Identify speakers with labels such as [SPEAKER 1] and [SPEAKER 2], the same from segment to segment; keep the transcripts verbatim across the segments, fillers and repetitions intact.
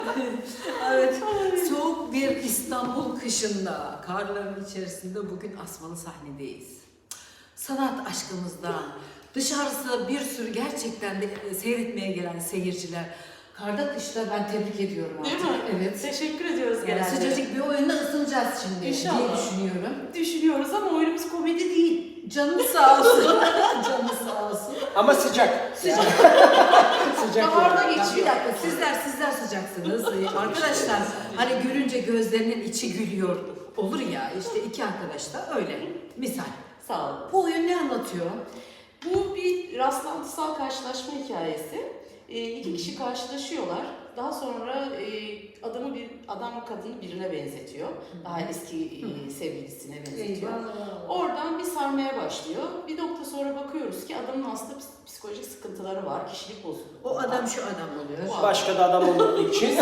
[SPEAKER 1] Evet, soğuk bir İstanbul kışında, karların içerisinde bugün Asmalı sahnedeyiz. Sanat aşkımızdan, dışarısı bir sürü gerçekten de seyretmeye gelen seyirciler. Karda kışta ben tebrik ediyorum artık.
[SPEAKER 2] Değil mi?
[SPEAKER 1] Evet.
[SPEAKER 2] Teşekkür ediyoruz
[SPEAKER 1] Yani
[SPEAKER 2] genelde.
[SPEAKER 1] sıcacık bir oyunla ısınacağız şimdi
[SPEAKER 2] İnşallah.
[SPEAKER 1] diye düşünüyorum.
[SPEAKER 2] Düşünüyoruz ama oyunumuz komedi değil.
[SPEAKER 1] Canınız sağ olsun. Canınız sağ olsun.
[SPEAKER 3] Ama sıcak.
[SPEAKER 1] Sıcak.
[SPEAKER 3] Sıcak.
[SPEAKER 2] Baharda
[SPEAKER 3] yani.
[SPEAKER 1] Ya
[SPEAKER 2] geçiyor.
[SPEAKER 1] bir dakika sizler sizler sıcaksınız. Ee, Arkadaşlar hani görünce gözlerinin içi gülüyor olur ya işte iki arkadaş da öyle misal.
[SPEAKER 2] Sağ olun.
[SPEAKER 1] Bu oyun ne anlatıyor?
[SPEAKER 2] Bu bir rastlantısal karşılaşma hikayesi. E, iki kişi karşılaşıyorlar. Daha sonra e, adamı bir adam kadını birine benzetiyor. Daha eski e, sevgilisine benzetiyor. Oradan bir sarmaya başlıyor. Bir nokta sonra bakıyoruz ki adamın aslında ps- psikolojik sıkıntıları var, kişilik bozukluğu.
[SPEAKER 1] O
[SPEAKER 2] var.
[SPEAKER 1] adam şu adam oluyor.
[SPEAKER 2] O
[SPEAKER 3] Başka da adam olmadığı için.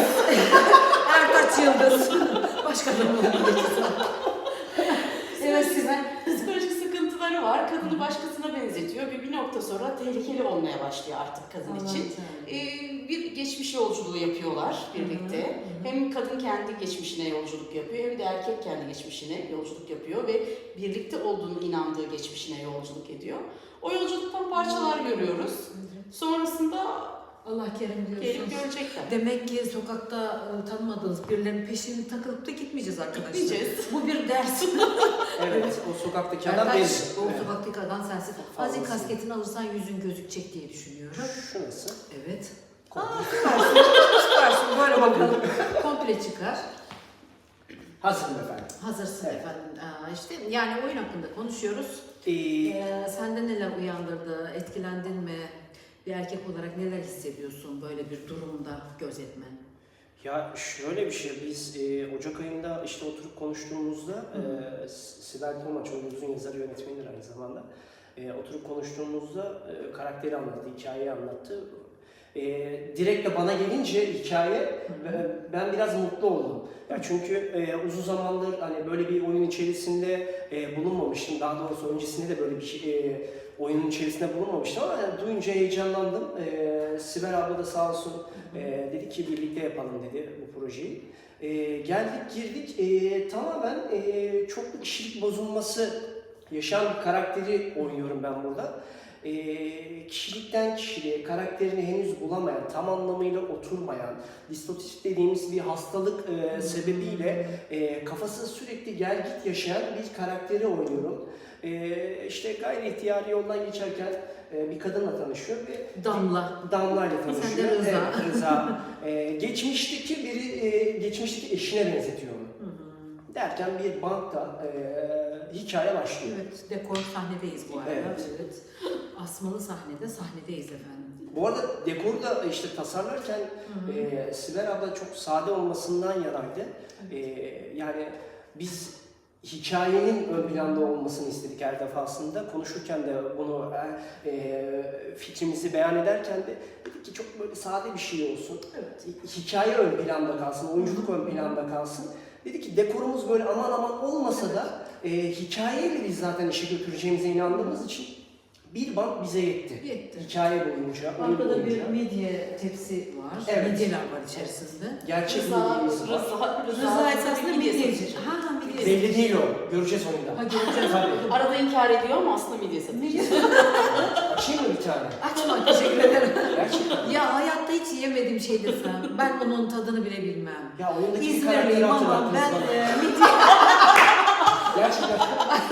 [SPEAKER 1] Ertaç Yıldız. Başka adam oluyor. Evet Sibel.
[SPEAKER 2] Psikolojik sıkıntıları var. Kadını başkasına benzetiyor ve bir nokta sonra tehlikeli olmaya başlıyor artık kadın için. Ee, bir geçmiş yolculuğu yapıyorlar birlikte. Hem kadın kendi geçmişine yolculuk yapıyor hem de erkek kendi geçmişine yolculuk yapıyor ve birlikte olduğunu inandığı geçmişine yolculuk ediyor. O yolculuktan parçalar görüyoruz. Sonrasında
[SPEAKER 1] Allah kerim
[SPEAKER 2] gelip
[SPEAKER 1] diyorsunuz.
[SPEAKER 2] görecekler.
[SPEAKER 1] Demek ki sokakta e, tanımadığınız birilerinin peşini takılıp da gitmeyeceğiz arkadaşlar.
[SPEAKER 2] Gitmeyeceğiz.
[SPEAKER 1] Bu bir ders.
[SPEAKER 3] Evet, o sokaktaki adam
[SPEAKER 1] Ertaç,
[SPEAKER 3] benziyor.
[SPEAKER 1] o
[SPEAKER 3] Evet.
[SPEAKER 1] sokaktaki adam sensin.
[SPEAKER 3] Fazlası.
[SPEAKER 1] Azıcık kasketini alırsan yüzün gözükecek diye düşünüyorum.
[SPEAKER 3] Şu nasıl?
[SPEAKER 1] Evet.
[SPEAKER 3] Komple.
[SPEAKER 1] Aa, süpersin. Süpersin. Böyle bakalım. Komple çıkar.
[SPEAKER 3] Hazırım efendim.
[SPEAKER 1] Hazırsın
[SPEAKER 3] Evet.
[SPEAKER 1] efendim. Aa, işte yani oyun hakkında konuşuyoruz.
[SPEAKER 3] Ee,
[SPEAKER 1] Ee, sende neler uyandırdı? Etkilendin mi? Bir erkek olarak neler hissediyorsun böyle bir durumda gözetmen?
[SPEAKER 3] Ya şöyle bir şey, biz e, Ocak ayında işte oturup konuştuğumuzda e, Sibel Tomaç, oyunumuzun yazarı yönetmenidir aynı zamanda. E, oturup konuştuğumuzda e, karakteri anlattı, hikayeyi anlattı. E, direkt de bana gelince hikaye e, ben biraz mutlu oldum. Ya çünkü e, uzun zamandır hani böyle bir oyun içerisinde e, bulunmamıştım. Daha doğrusu öncesinde de böyle bir şey, e, oyunun içerisinde bulunmamıştım ama yani duyunca heyecanlandım. E, Sibel abla da sağ olsun e, dedi ki birlikte yapalım dedi bu projeyi. E, geldik girdik e, tamamen e, çoklu kişilik bozulması yaşayan bir karakteri oynuyorum ben burada. E, kişilikten kişiliğe, karakterini henüz bulamayan, tam anlamıyla oturmayan, distotif dediğimiz bir hastalık e, sebebiyle e, kafası sürekli gel git yaşayan bir karakteri oynuyorum. E, işte gayri ihtiyari yoldan geçerken e, bir kadınla tanışıyor ve
[SPEAKER 1] Damla.
[SPEAKER 3] Damla ile tanışıyor.
[SPEAKER 1] Sen de Rıza.
[SPEAKER 3] Evet, Rıza. E, geçmişteki biri, e, geçmişteki eşine benzetiyor onu.
[SPEAKER 1] Hı hı.
[SPEAKER 3] Derken bir bankta e, hikaye başlıyor.
[SPEAKER 1] Evet, dekor sahnedeyiz bu arada.
[SPEAKER 3] Evet.
[SPEAKER 1] Evet. Asmalı sahnede, sahnedeyiz efendim.
[SPEAKER 3] Bu arada dekoru da işte tasarlarken
[SPEAKER 1] Hı hı.
[SPEAKER 3] e, Sibel abla çok sade olmasından yanaydı. E, yani biz hikayenin ön planda olmasını istedik her defasında. Konuşurken de bunu e, fikrimizi beyan ederken de dedik ki çok böyle sade bir şey olsun.
[SPEAKER 1] Evet.
[SPEAKER 3] Hikaye ön planda kalsın, oyunculuk ön planda kalsın. Dedik ki dekorumuz böyle aman aman olmasa da e, hikayeyle biz zaten işe götüreceğimize inandığımız için bir bank bize yetti.
[SPEAKER 1] Yetti.
[SPEAKER 3] Hikaye boyunca, oyun
[SPEAKER 1] Arkada bir
[SPEAKER 3] boyunca.
[SPEAKER 1] midye tepsi var.
[SPEAKER 3] Evet.
[SPEAKER 1] Midyeler var içerisinde.
[SPEAKER 3] Gerçek
[SPEAKER 2] Rıza,
[SPEAKER 3] midyemiz var.
[SPEAKER 2] Rıza,
[SPEAKER 1] Rıza esasında midyeci.
[SPEAKER 2] midyesi.
[SPEAKER 1] Ha ha midye.
[SPEAKER 3] Belli değil o. Göreceğiz onu
[SPEAKER 1] Ha
[SPEAKER 3] da.
[SPEAKER 1] göreceğiz.
[SPEAKER 3] Tabii.
[SPEAKER 2] Arada inkar ediyor ama aslında midye satıyor.
[SPEAKER 1] Midye.
[SPEAKER 3] Açayım mı bir tane?
[SPEAKER 1] Açma teşekkür ederim.
[SPEAKER 3] Gerçekten.
[SPEAKER 1] Ya hayatta hiç yemediğim şey desem. Ben onun tadını bile bilmem.
[SPEAKER 3] Ya oyundaki bir karakteri
[SPEAKER 1] İzmirliyim ama
[SPEAKER 3] hatırlattınız
[SPEAKER 1] ben
[SPEAKER 3] bana.
[SPEAKER 1] e, midye
[SPEAKER 3] Gerçekten.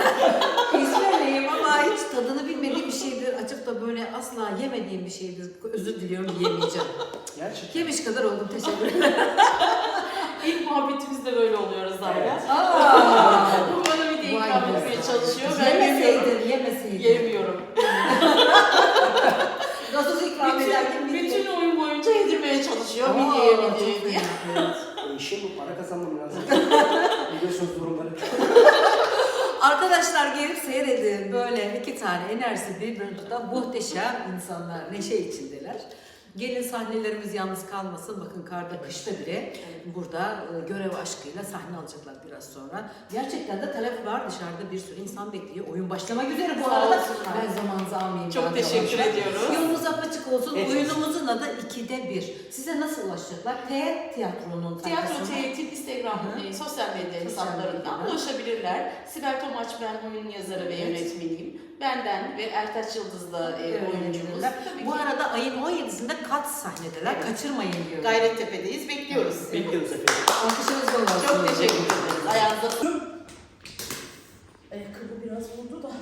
[SPEAKER 1] İzmirliyim ama hiç tadını bilmediğim bir şeydir. Açıp da böyle asla yemediğim bir şeydir. Özür diliyorum yemeyeceğim.
[SPEAKER 3] Gerçekten.
[SPEAKER 1] Yemiş kadar oldum teşekkür ederim.
[SPEAKER 2] İlk muhabbetimizde böyle oluyoruz zaten.
[SPEAKER 3] Evet.
[SPEAKER 1] Aa,
[SPEAKER 2] Bu bana midye
[SPEAKER 1] Vay
[SPEAKER 2] ikram
[SPEAKER 1] be.
[SPEAKER 2] etmeye çalışıyor. Ben yemiyorum.
[SPEAKER 1] yemeseydin, yemeseydin.
[SPEAKER 2] Yemiyorum.
[SPEAKER 1] Gazoz ikram ederken
[SPEAKER 2] Bütün,
[SPEAKER 1] midye.
[SPEAKER 2] bütün oyun boyunca yedirmeye çalışıyor.
[SPEAKER 1] Aa,
[SPEAKER 2] Midyeye
[SPEAKER 1] çok
[SPEAKER 2] midyeye diye.
[SPEAKER 1] fena, evet.
[SPEAKER 3] E, işim bu. Para kazanmam lazım. Biliyorsunuz durumları.
[SPEAKER 1] Arkadaşlar gelip seyredin. Böyle iki tane enerjisi birbirini tutan muhteşem insanlar. Neşe içindeler. Gelin sahnelerimiz yalnız kalmasın. Bakın karda, kışta bile burada e, görev aşkıyla sahne alacaklar biraz sonra. Gerçekten de talep var. Dışarıda bir sürü insan bekliyor. Oyun başlamak üzere bu
[SPEAKER 2] Sağ
[SPEAKER 1] arada.
[SPEAKER 2] olsunlar.
[SPEAKER 1] Ben zamanınızı almayayım.
[SPEAKER 2] Çok
[SPEAKER 1] daha
[SPEAKER 2] teşekkür
[SPEAKER 1] yavaş.
[SPEAKER 2] ediyoruz.
[SPEAKER 1] Yolunuz açık olsun.
[SPEAKER 3] Evet.
[SPEAKER 1] Oyunumuzun adı ikide bir. Size nasıl ulaşacaklar? T tiyatronun
[SPEAKER 2] Tiyatro
[SPEAKER 1] sayfasına.
[SPEAKER 2] Teğetin Instagram,
[SPEAKER 1] Hı hı.
[SPEAKER 2] e, sosyal medya
[SPEAKER 1] Sosyal
[SPEAKER 2] hesaplarından
[SPEAKER 1] medyadan.
[SPEAKER 2] ulaşabilirler. Sibel Tomaç, ben oyun yazarı ve
[SPEAKER 1] Evet.
[SPEAKER 2] yönetmeniyim. Benden ve Ertaç Yıldız da e,
[SPEAKER 1] Evet,
[SPEAKER 2] oyuncumuz.
[SPEAKER 1] evet.
[SPEAKER 2] Tabii
[SPEAKER 1] Bu
[SPEAKER 2] ki
[SPEAKER 1] arada ayın on yedisinde kat sahnedeler.
[SPEAKER 2] Evet.
[SPEAKER 1] Kaçırmayın diyorum.
[SPEAKER 2] Gayrettepe'deyiz. Bekliyoruz.
[SPEAKER 3] Bekliyoruz efendim.
[SPEAKER 1] Alkışınız bol olsun.
[SPEAKER 2] Çok teşekkür ederiz. Ayağınıza sağlık. Ayakkabı biraz vurdu da.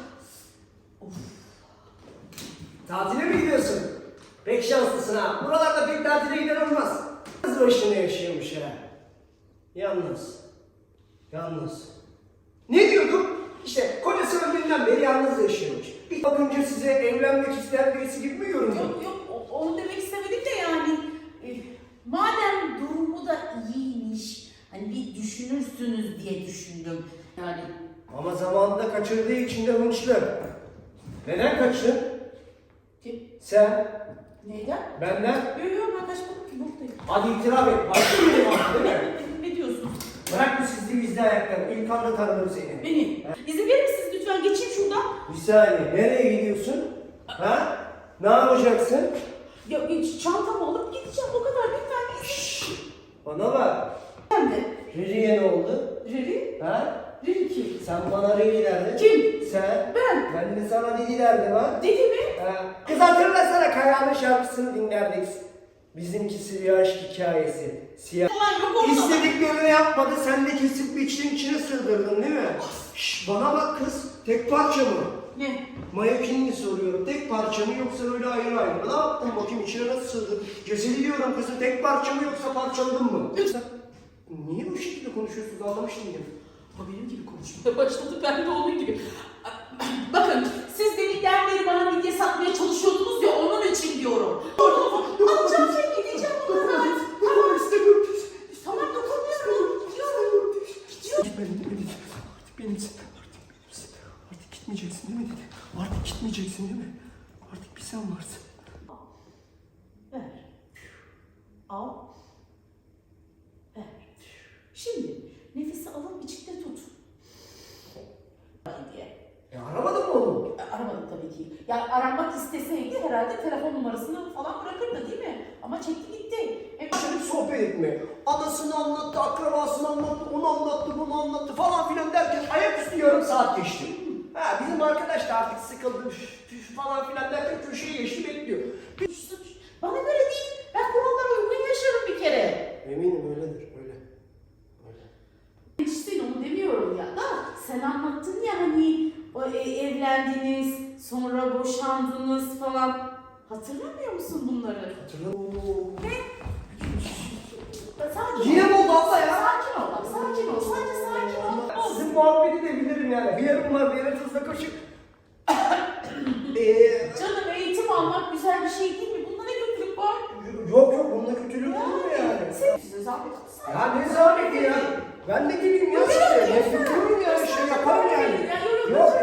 [SPEAKER 3] Tatile mi gidiyorsun? Pek şanslısın ha. Buralarda pek tatile giden olmaz. Kız başına yaşıyormuş ha. Yalnız. Yalnız. Ne diyordum? İşte kocası öldüğünden beri yalnız yaşıyormuş. Bir bakınca size evlenmek isteyen birisi gibi mi görünüyor?
[SPEAKER 4] Yok yok o- onu demek istemedim de yani e, madem durumu da iyiymiş hani bir düşünürsünüz diye düşündüm yani.
[SPEAKER 3] Ama zamanında kaçırdığı için de hınçlı. Neden kaçtın?
[SPEAKER 4] Kim?
[SPEAKER 3] Sen,
[SPEAKER 4] Neyden?
[SPEAKER 3] benden.
[SPEAKER 4] Yok yok ben kaçmadım ki buradayım.
[SPEAKER 3] Hadi itiraf et. Başka benim artık değil mi?
[SPEAKER 4] Ne diyorsun?
[SPEAKER 3] Bırak bu sizli bizli ayakları. İlk anda tanıdım seni.
[SPEAKER 4] Beni. İzin verir misiniz lütfen geçeyim şuradan.
[SPEAKER 3] Bir saniye. Nereye gidiyorsun? Ha? Ne yapacaksın?
[SPEAKER 4] Ya hiç çantamı alıp gideceğim o kadar lütfen izin.
[SPEAKER 3] Bana bak.
[SPEAKER 4] Ben de.
[SPEAKER 3] Riri'ye ne oldu?
[SPEAKER 4] Reri?
[SPEAKER 3] Ha?
[SPEAKER 4] Reri kim?
[SPEAKER 3] Sen bana Riri derdin.
[SPEAKER 4] Kim?
[SPEAKER 3] Sen.
[SPEAKER 4] Ben.
[SPEAKER 3] Ben de sana Didi derdim ha.
[SPEAKER 4] Dedi mi?
[SPEAKER 3] Ha. Kız hatırlasana Kaya'nın şarkısını dinlerdik. Bizimkisi bir aşk hikayesi. Siyah.
[SPEAKER 4] Ulan yok orada.
[SPEAKER 3] İstediklerini yapmadı, sen de kesip biçtin içine sığdırdın değil mi? Şşş, bana bak kız, tek parça mı?
[SPEAKER 4] Ne?
[SPEAKER 3] Mayakinini soruyorum, tek parça mı yoksa öyle ayrı ayrı mı? Ne yaptın bakayım içine nasıl sığdırdın? Cesedi diyorum kızım, tek parça mı yoksa parçaladın mı? Yoksa niye bu şekilde konuşuyorsunuz anlamış değilim.
[SPEAKER 4] O benim gibi konuşmaya başladı ben de onun gibi. Bakın siz deminden beri bana midye satmaya çalışıyordunuz ya onun için diyorum. Alacağım şey gideceğim o kadar.
[SPEAKER 3] Tamam istemiyorum.
[SPEAKER 4] Tamam dokunmuyorum. Gidiyorum.
[SPEAKER 3] Gidiyorum. Benim, benim, artık benimsin, artık benimsin. Artık gitmeyeceksin değil mi dedi. Artık gitmeyeceksin değil mi? Artık bir sen varsın.
[SPEAKER 4] Ver. Al. Ver. Şimdi nefesi alıp içinde tut. Diye.
[SPEAKER 3] E aramadın mı onu?
[SPEAKER 4] E, Aramadık tabii ki. Yani aranmak isteseydi herhalde telefon numarasını falan bırakırdı değil mi? Ama çekti gitti. E,
[SPEAKER 3] Başladık sohbet etmeye. Anasını anlattı, akrabasını anlattı, onu anlattı, bunu anlattı falan filan derken ayaküstü yarım saat geçti. Ha bizim arkadaş da artık sıkıldı üf, üf falan filan derken köşeye geçti bekliyor.
[SPEAKER 4] suç. Bana göre değil. Ben kurallara uygun yaşarım bir kere.
[SPEAKER 3] Eminim öyledir, öyle. Öyle.
[SPEAKER 4] İşte onu demiyorum ya da sen anlattın ya hani o, e, evlendiniz, sonra boşandınız falan. Hatırlamıyor musun bunları?
[SPEAKER 3] Hatırlamıyorum.
[SPEAKER 4] Sakin
[SPEAKER 3] Yine
[SPEAKER 4] ol.
[SPEAKER 3] mi oldu abla ya?
[SPEAKER 4] Sakin ol bak, sakin ol. Sadece sakin ol.
[SPEAKER 3] Sizin muhabbeti de bilirim yani. Bir yarım var, bir yarım tuzla kaşık. Eee...
[SPEAKER 4] Canım eğitim almak güzel bir şey değil mi? Bunda ne kötülük var?
[SPEAKER 3] Yok yok, bunda kötülük olur mu yani?
[SPEAKER 4] Sen size zahmet olsun.
[SPEAKER 3] Ya ne zahmeti ya? Ben de geleyim ya size. Ne kötülüğüm ya, şey yaparım yani.
[SPEAKER 4] Ya, yok, yok,
[SPEAKER 3] Yok